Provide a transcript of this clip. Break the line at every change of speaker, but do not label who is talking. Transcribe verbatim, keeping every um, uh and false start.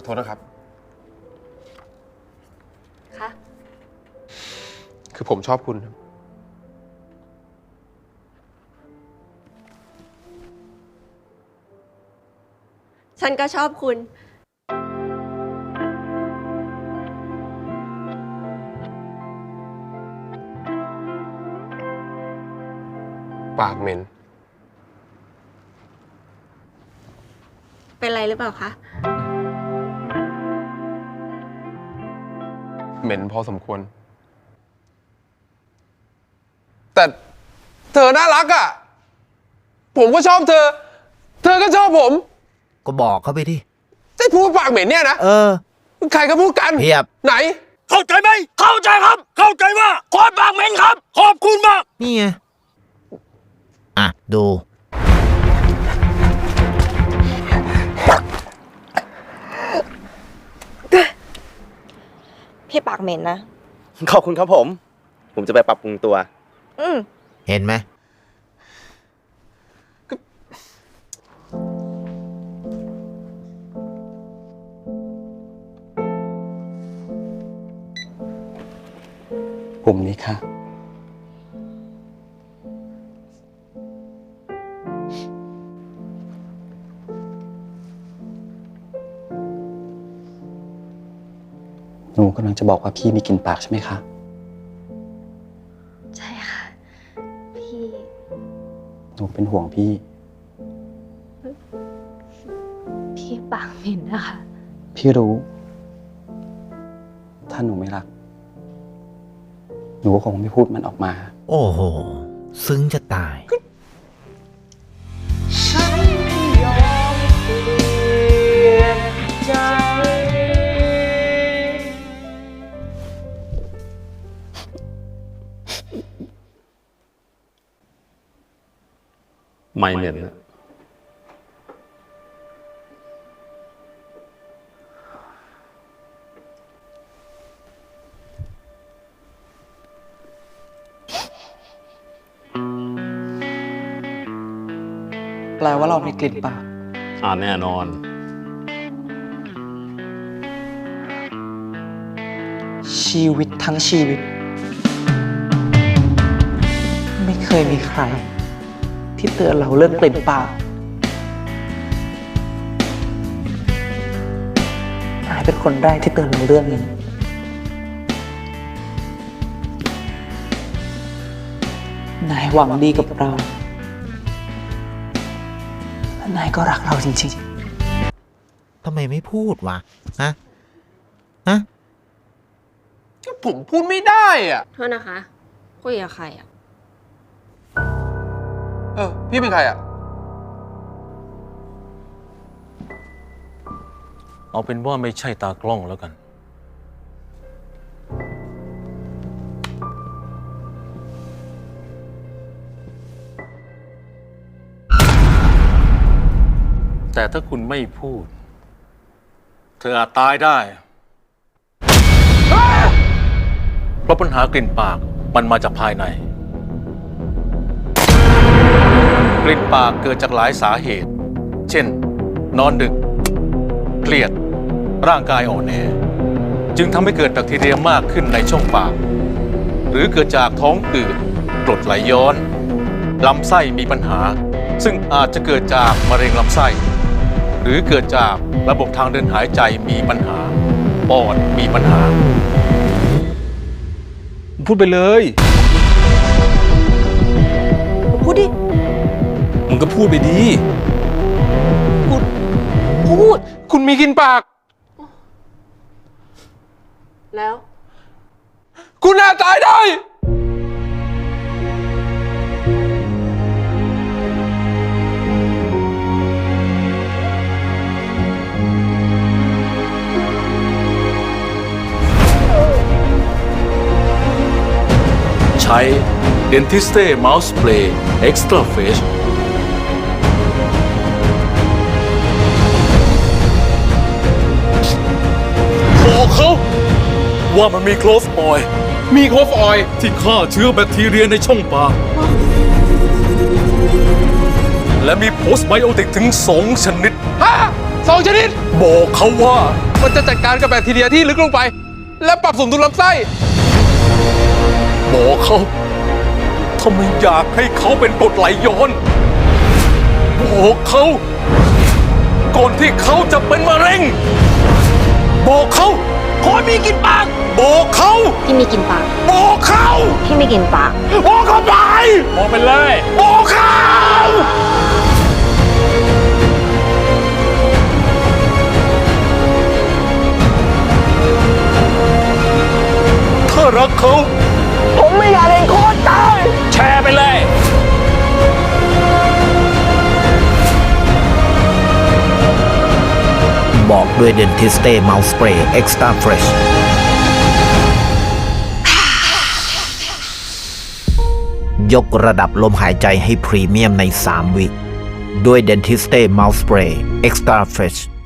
อโทษนะครับ
คะ
คือผมชอบคุณครับ
ฉันก็ชอบคุณ
ปากเหม็น
เป็นไรหรือเปล่าคะ
เหม็นพอสมควรแต่เธอน่ารักอ่ะผมก็ชอบเธอเธอก็ชอบผม
ก็บอกเขาไปดิ
จะพูดปากเหม็นเนี่ยนะ
เออ
ใครก็พูดกัน
เพียบ
ไหน
เข้าใจไหมเข้าใจครับเข้าใจว่าคนปากเหม็นครับขอบคุณมาก
นี่ไงอ่ะดู
พี่ปากเหม็นนะ
ขอบคุณครับผมผมจะไปปรับปรุงตัว
อืม
เห็นไหม
ปุ่มนี้ค่ะหนูกำลังจะบอกว่าพี่มีกลิ่นปากใช่ไหมคะ
ใช่ค่ะพี่
หนูเป็นห่วงพี่
พี่ปากเหม็นนะคะ
พี่รู้ ถ้าหนูไม่รักหนูก็คงไม่พูดมันออกมา
โอ้โหซึ้งจะตาย
ฉันไม่ยอมเปลี่ยนใจไม่เหม็นนะ
แปลว่าเรามีกลิ่นปาก
อ่าแน่นอน
ชีวิตทั้งชีวิตไม่เคยมีใครที่เตือนเราเรื่องกลิ่นปากนายเป็นคนแรกที่เตือนเราเรื่องนี้นายหวังดีกับเราและนายก็รักเราจริง
ๆทำไมไม่พูดวะฮะฮะ
ผมพูดไม่ได้อ่ะ
โทษนะคะคุยกับใครอ่ะ
เออพี่เป็นใครอ่ะ
เอาเป็นว่าไม่ใช่ตากล้องแล้วกันแต่ถ้าคุณไม่พูดเธออาจตายได้เพราะปัญหากลิ่นปากมันมาจากภายในกลิ่นปากเกิดจากหลายสาเหตุเช่นนอนดึกเครียดร่างกายอ่อนแอจึงทำให้เกิดแบคทีเรียมากขึ้นในช่องปากหรือเกิดจากท้องอืดกรดไหลย้อนลำไส้มีปัญหาซึ่งอาจจะเกิดจากมะเร็งลำไส้หรือเกิดจากระบบทางเดินหายใจมีปัญหาปอดมีปัญหาพูดไปเลย
พูดดิ
มึงก็พูดไปดี
พูดพูด
คุณมีกลิ่นปาก
แล้ว
คุณอาจตายได้
ใช้ Dentiste Mouth Spray Extra Fresh บอกเขาว่ามันมีโคลฟออยล์
มีโคฟออยล์
ที่ฆ่าเชื้อแบคทีเรียในช่องปากและมีโพสไบโอติกถึงสองชนิด
ฮะสองชนิด
บอกเขาว่า
มันจะจัดการกับแบคทีเรียที่ลึกลงไป และปรับสมดุลลำไส้
บอกเขาถ้าไม่อยากให้เขาเป็นกรดไหลย้อนบอกเขาก่อนที่เขาจะเป็นมะเร็งบอกเขาขอมีกินปากบอกเขา
พี่มีกินปาก
บอกเขา
พี่ไม่กินปาก
บอกเขาไปบอกไปเลยบอกเขาถ้ารักเขา
ผมไม่อยากเห็นโค้ชตาย
แชร์ไปเลย
บอกด้วย Dentiste Mouth Spray Extra Fresh ยกระดับลมหายใจให้พรีเมียมใน สาม วิ ด้วย Dentiste Mouth Spray Extra Fresh